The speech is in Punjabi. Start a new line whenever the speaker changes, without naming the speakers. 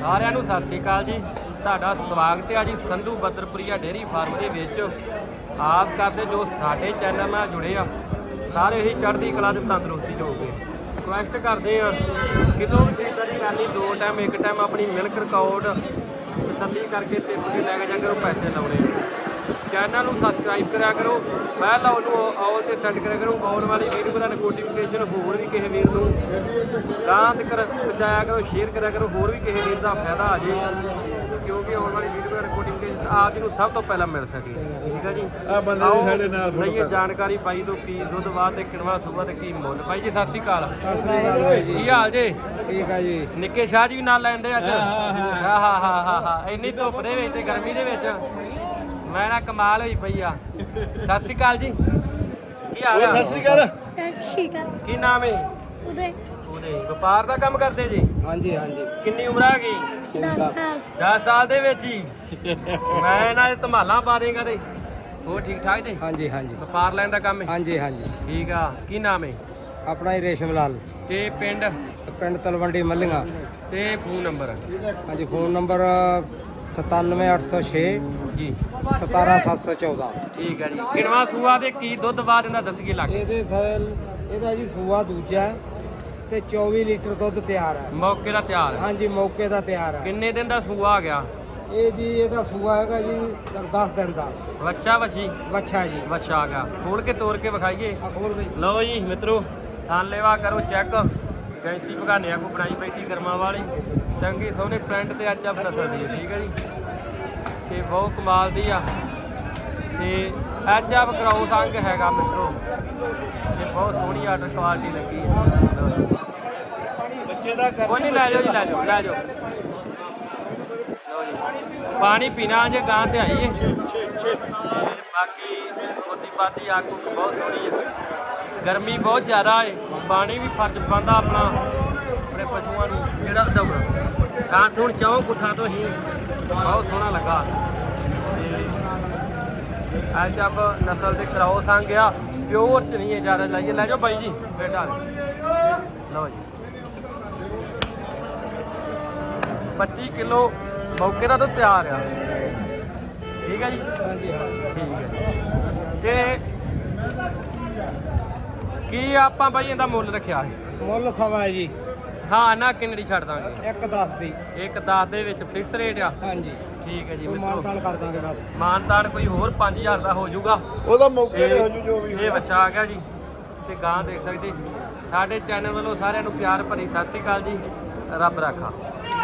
ਸਾਰਿਆਂ ਨੂੰ ਸਤਿ ਸ੍ਰੀ ਅਕਾਲ ਜੀ। ਤੁਹਾਡਾ ਸਵਾਗਤ ਹੈ ਜੀ ਸੰਧੂ ਬੱਦਰਪੁਰੀਆ ਡੇਅਰੀ ਫਾਰਮ ਦੇ ਵਿੱਚ। ਆਸ ਕਰਦੇ ਜੋ ਸਾਡੇ ਚੈਨਲ ਨਾਲ ਜੁੜੇ ਆ ਸਾਰੇ ਹੀ ਚੜ੍ਹਦੀ ਕਲਾ ਤੇ ਤੰਦਰੁਸਤੀ ਹੋਵੇ। ਰਿਕੁਐਸਟ ਕਰਦੇ ਆ ਕਿਤੋਂ ਵੀ ਖਰੀਦਦਾਰੀ ਕਰਨੀ 2 ਟਾਈਮ 1 ਟਾਈਮ ਆਪਣੀ ਮਿਲਕ ਰਿਕਾਰਡ ਤਸੱਲੀ ਕਰਕੇ ਟਿਪ ਕੇ ਲੈ ਕੇ ਜਾ ਕਰੋ, ਪੈਸੇ ਲਾਉਣੇ। ਚੈਨਲ ਨੂੰ ਸਬਸਕ੍ਰਾਈਬ ਕਰਿਆ ਕਰੋ, ਪਹਿਲਾਂ ਉਹਨੂੰ ਆਲ ਤੇ ਸੈੱਟ ਕਰਿਆ ਕਰੋ। ਆਉਣ ਵਾਲੀ ਵੀਡੀਓ ਦਾ ਨੋਟੀਫਿਕੇਸ਼ਨ ਹੋਰ ਵੀ ਕਿਸੇ ਵੀਰ ਨੂੰ ਗਾਂ ਤੱਕ ਪਹੁੰਚਾਇਆ ਕਰੋ, ਸ਼ੇਅਰ ਕਰਿਆ ਕਰੋ, ਹੋਰ ਵੀ ਕਿਸੇ ਵੀਰ ਦਾ ਫਾਇਦਾ ਆ ਜੇ, ਕਿਉਂਕਿ ਆਉਣ ਵਾਲੀ ਵੀਡੀਓ ਦਾ ਨੋਟੀਫਿਕੇਸ਼ਨ ਆਪ ਜੀ ਨੂੰ ਸਭ ਤੋਂ ਪਹਿਲਾਂ ਮਿਲ ਸਕੇ। ਠੀਕ ਹੈ ਜੀ।
ਆ ਬੰਦੇ ਵੀ ਸਾਡੇ ਨਾਲ
ਲਈਏ ਜਾਣਕਾਰੀ ਬਾਈ ਤੋਂ, ਕੀ ਦੁੱਧ ਬਾਅਦ ਤੇ ਕਿਣਵਾ ਸੂਬਾ ਤੇ ਕੀ ਮੁੱਲ। ਬਾਈ ਜੀ ਸਤਿ ਸ਼੍ਰੀ ਅਕਾਲ।
ਸਤਿ ਸ੍ਰੀ ਅਕਾਲ ਬਾਈ ਜੀ।
ਕੀ ਹਾਲ ਜੀ?
ਠੀਕ ਆ ਜੀ।
ਨਿੱਕੇ ਸ਼ਾਹ ਜੀ ਵੀ ਨਾਲ ਲੈਂਦੇ ਅੱਜ?
ਹਾਂ।
ਇੰਨੀ ਧੁੱਪ ਦੇ ਵਿੱਚ ਤੇ ਗਰਮੀ ਦੇ ਵਿੱਚ ਮੈਂ ਨਾ ਕਮਾਲ ਹੋਈ ਪਈ ਆ। ਸਤਿ ਸ਼੍ਰੀ ਅਕਾਲ ਜੀ। ਕੀ ਹਾਲ ਆ?
ਸਤਿ ਸ੍ਰੀ ਅਕਾਲ।
ਠੀਕ ਆ
ਕੀ ਨਾਮ ਹੈ?
ਉਹਦੇ
ਉਹਦੇ ਵਪਾਰ ਦਾ ਕੰਮ ਕਰਦੇ ਜੀ?
ਹਾਂਜੀ ਹਾਂਜੀ।
ਕਿੰਨੀ ਉਮਰ ਆ ਗਈ?
10 ਸਾਲ
10 ਸਾਲ ਦੇ ਵਿੱਚ ਹੀ ਮੈਂ ਨਾ ਧਮਾਲਾਂ ਪਾ ਦੇਂਗਾ ਤੇ ਹੋਰ ਠੀਕ ਠਾਕ ਜੀ?
ਹਾਂਜੀ ਹਾਂਜੀ।
ਵਪਾਰ ਲੈਣ ਦਾ ਕੰਮ ਹੈ?
ਹਾਂਜੀ ਹਾਂਜੀ।
ਠੀਕ ਆ। ਕੀ ਨਾਮ ਹੈ?
ਆਪਣਾ ਹੀ ਰੇਸ਼ਮ ਲਾਲ,
ਤੇ ਪਿੰਡ
ਪਿੰਡ ਤਲਵੰਡੀ ਮੱਲੀਆਂ।
ਤੇ ਫੋਨ ਨੰਬਰ?
ਹਾਂਜੀ, ਫੋਨ ਨੰਬਰ 97806
ਜੀ
17714।
ਠੀਕ ਹੈ ਜੀ। ਕਿਣਵਾ ਸੂਆ ਦੇ ਕੀ ਦੁੱਧ ਬਾਅਦ ਇਹਦਾ ਦੱਸੀਏ ਲੱਗ
ਇਹਦਾ ਜੀ ਸੂਆ ਦੂਜਾ ਤੇ 24 ਲੀਟਰ ਦੁੱਧ ਤਿਆਰ ਹੈ।
ਮੌਕੇ ਦਾ ਤਿਆਰ?
ਹਾਂਜੀ, ਮੌਕੇ ਦਾ ਤਿਆਰ ਹੈ।
ਕਿੰਨੇ ਦਿਨ ਦਾ ਸੂਆ ਆ ਗਿਆ?
ਇਹ ਜੀ ਇਹਦਾ ਸੂਆ ਹੈਗਾ ਜੀ 10 ਦਿਨ ਦਾ।
ਵੱਛਾ ਵਛੀ?
ਵੱਛਾ ਜੀ।
ਵੱਛਾ ਆ ਗਿਆ। ਖੋਲ ਕੇ ਤੋੜ ਕੇ ਵਿਖਾਈਏ।
ਆ ਖੋਲ ਬਈ।
ਲਓ ਜੀ ਮਿੱਤਰੋ, ਥਾਂ ਲੈਵਾ ਕਰੋ ਚੈੱਕ। ਗੈਂਸੀ ਭਗਾਨਿਆਂ ਕੋ ਬਣਾਈ ਬੈਠੀ ਕਰਮਾਂ ਵਾਲੀ, ਚੰਗੀ ਸੋਹਣੇ ਪ੍ਰਿੰਟ ਤੇ ਅੱਜ ਆਪ ਨਸਲ ਦੀ ਹੈ। ਠੀਕ ਹੈ ਜੀ। ਤੇ ਬਹੁਤ ਕਮਾਲ ਦੀ ਆ ਤੇ ਅੱਜ ਆਪ ਕਰਾਉਸ ਅੰਗ ਹੈਗਾ ਮਿੱਤਰੋ, ਤੇ ਬਹੁਤ ਸੋਹਣੀ ਆਰਡਰ ਕੁਆਲਿਟੀ ਲੱਗੀ ਹੈ।
ਬੱਚੇ ਦਾ
ਕੋਈ ਨਹੀਂ, ਲੈ ਜਾਓ ਜੀ, ਲੈ ਜਾਓ ਲੈ ਜਾਓ। ਪਾਣੀ ਪੀਣਾ ਜੇ ਗਾਂ ਤੇ ਆਈਏ। ਬਾਕੀ ਖੋਤੀ ਪਾਤੀ ਅੱਗ ਉੱਗ ਬਹੁਤ ਸੋਹਣੀ ਹੈ। ਗਰਮੀ ਬਹੁਤ ਜ਼ਿਆਦਾ ਹੈ, ਪਾਣੀ ਵੀ ਫਰਜ਼ ਪਾਉਂਦਾ ਆਪਣਾ ਆਪਣੇ ਪਸ਼ੂਆਂ ਨੂੰ ਜਿਹੜਾ ਦਊਗਾ। ਗਾਂ ਹੁਣ ਚਾਹੋ ਪੁੱਠਾ ਤੋਂ ਹੀ ਬਹੁਤ ਸੋਹਣਾ ਲੱਗਾ। ਤੇ ਅੱਜ ਆਪ ਨਸਲ ਦੇ ਕਰਾਓ ਸੰਗ ਆ, ਪਿਓਰ ਚ ਨਹੀਂ ਹੈ ਜ਼ਿਆਦਾ। ਲਾਈਏ ਲੈ ਜਾਓ ਬਾਈ ਜੀ ਬੇਟਾ। ਲਓ ਜੀ 25 ਕਿਲੋ ਮੌਕੇ ਦਾ ਤਾਂ ਤਿਆਰ ਆ। ਠੀਕ ਹੈ ਜੀ।
ਹਾਂਜੀ ਹਾਂ।
ਠੀਕ ਹੈ। ਤੇ ਕੀ ਆਪਾਂ ਬਾਈ ਇਹਦਾ ਮੁੱਲ ਰੱਖਿਆ ਹੈ?
ਮੁੱਲ ਸਵਾ ਹੈ ਜੀ।
ਹਾਂ ਨਾ ਕਿੰਨੇ ਦੀ ਛੱਡ ਦਾਂਗੇ?
1.10 ਦੀ।
1.10 ਦੇ ਵਿੱਚ ਫਿਕਸ ਰੇਟ ਆ?
ਹਾਂਜੀ।
ਠੀਕ ਹੈ ਜੀ
ਕੋਈ
ਮਿੱਤਰੋ।
ਮਾਨਤਾਨ ਕਰ ਦਾਂਗੇ ਬਸ।
ਮਾਨਤਾਨ ਕੋਈ ਹੋਰ 5000 ਦਾ ਹੋ ਜਾਊਗਾ।
ਉਹਦਾ ਮੌਕੇ ਤੇ ਹੋ ਜੂ ਜੋ ਵੀ।
ਇਹ ਵੱਛਾ ਆ ਗਿਆ ਜੀ ਤੇ ਗਾਂ ਦੇਖ ਸਕਦੇ। ਸਾਡੇ ਚੈਨਲ ਵੱਲੋਂ ਸਾਰਿਆਂ ਨੂੰ ਪਿਆਰ ਭਰੀ ਸਤਿ ਸ਼੍ਰੀ ਅਕਾਲ ਜੀ। ਰੱਬ ਰਾਖਾ।